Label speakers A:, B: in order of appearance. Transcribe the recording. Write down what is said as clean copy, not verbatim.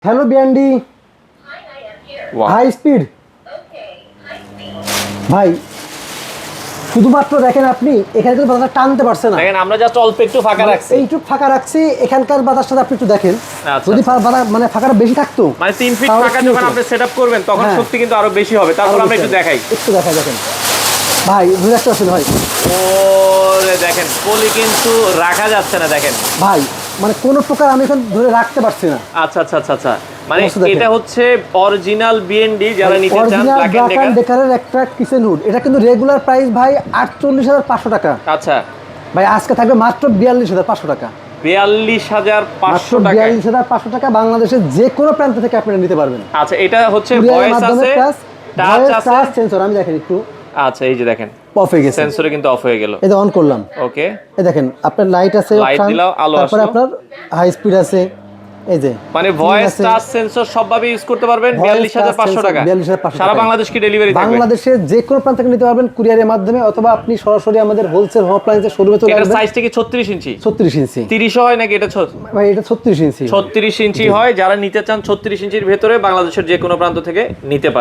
A: Hello বিয়ান্ডি, high speed ভাই। শুধুমাত্র দেখেন আপনি এখানে কিন্তু বাতাসটা টানতে পারছে না।
B: দেখেন আমরা জাস্ট অল্প একটু ফাঁকা রাখছি,
A: এইটুকু ফাঁকা রাখছি। এখানকার বাতাসটা আপনি একটু দেখেন।
B: আচ্ছা,
A: যদি
B: আচ্ছা।
A: মানে ফাঁকাটা বেশি থাকতো,
B: মানে 3 ফিট
A: তাহলে
B: ফাঁকা
A: কি
B: যখন
A: হতো?
B: আপনি সেটআপ করবেন তখন
A: হ্যাঁ।
B: শক্তি কিন্তু আরো বেশি হবে। তারপর আমরা একটু দেখাই।
A: একটু দেখাই দেখেন ভাই, বুঝতে পারছেন ভাই?
B: ওরে দেখেন পলি কিন্তু রাখা যাচ্ছে না, দেখেন
A: ভাই মানে কোনো প্রকার আমি এখন ধরে রাখতে পারছি না।
B: আচ্ছা আচ্ছা আচ্ছা আচ্ছা, মানে
A: অবস্থা দেখেন।
B: এটা হচ্ছে অরিজিনাল বিএনডি যারা নিতে চান
A: original
B: black
A: black
B: and
A: and
B: Decker.
A: ডেকারের একটা কিচেন হুড। এটা কিন্তু রেগুলার প্রাইস ভাই 48,500 টাকা।
B: আচ্ছা,
A: ভাই আজকে থাকবে মাত্র 42,500 টাকা।
B: 42,500 টাকা।
A: 42,500 টাকা বাংলাদেশের যে কোনো প্রান্ত থেকে আপনারা নিতে পারবেন।
B: আচ্ছা, এটা হচ্ছে
A: কুরিয়ারের
B: ভয়েস
A: মাধ্যমে
B: আছে,
A: প্লাস
B: টাচ
A: ভয়েস
B: আছে।
A: Touch sensor. আমি দেখেন একটু
B: আচ্ছা, এই যে দেখেন
A: অফ হয়ে গেছে,
B: সেন্সরে কিন্তু অফ হয়ে গেল।
A: এটা অন করলাম।
B: ওকে,
A: এই দেখেন আপনার লাইট আছে,
B: লাইট
A: option,
B: দিলাম, আলো
A: তারপরে
B: আসলো।
A: আপনার হাই স্পিড আছে। এই যে
B: মানে
A: screen
B: ভয়েস
A: আছে।
B: টাচ সেন্সর সবভাবে ইউজ করতে পারবেন।
A: Voice,
B: 42,500
A: touch
B: টাকা।
A: sensor, 42,500
B: সারা
A: টাকায়।
B: বাংলাদেশ কি ডেলিভারি থাকবে?
A: বাংলাদেশের যে কোনো প্রান্ত থেকে নিতে পারবেন কুরিয়ারের মাধ্যমে, অথবা আপনি সরাসরি আমাদের হোলসেল হোম অ্যাপ্লায়েন্সের শোরুমে চলে
B: এটার
A: আসবেন।
B: সাইজটা কি 36 ইঞ্চি?
A: 36 ইঞ্চি
B: 30 হয় নাকি এটা
A: ভাই, এটা 36 ইঞ্চি
B: 36 ইঞ্চি হয়। যারা নিতে চান 36 ইঞ্চির ভেতরে বাংলাদেশের যে কোনো প্রান্ত থেকে নিতে পারেন।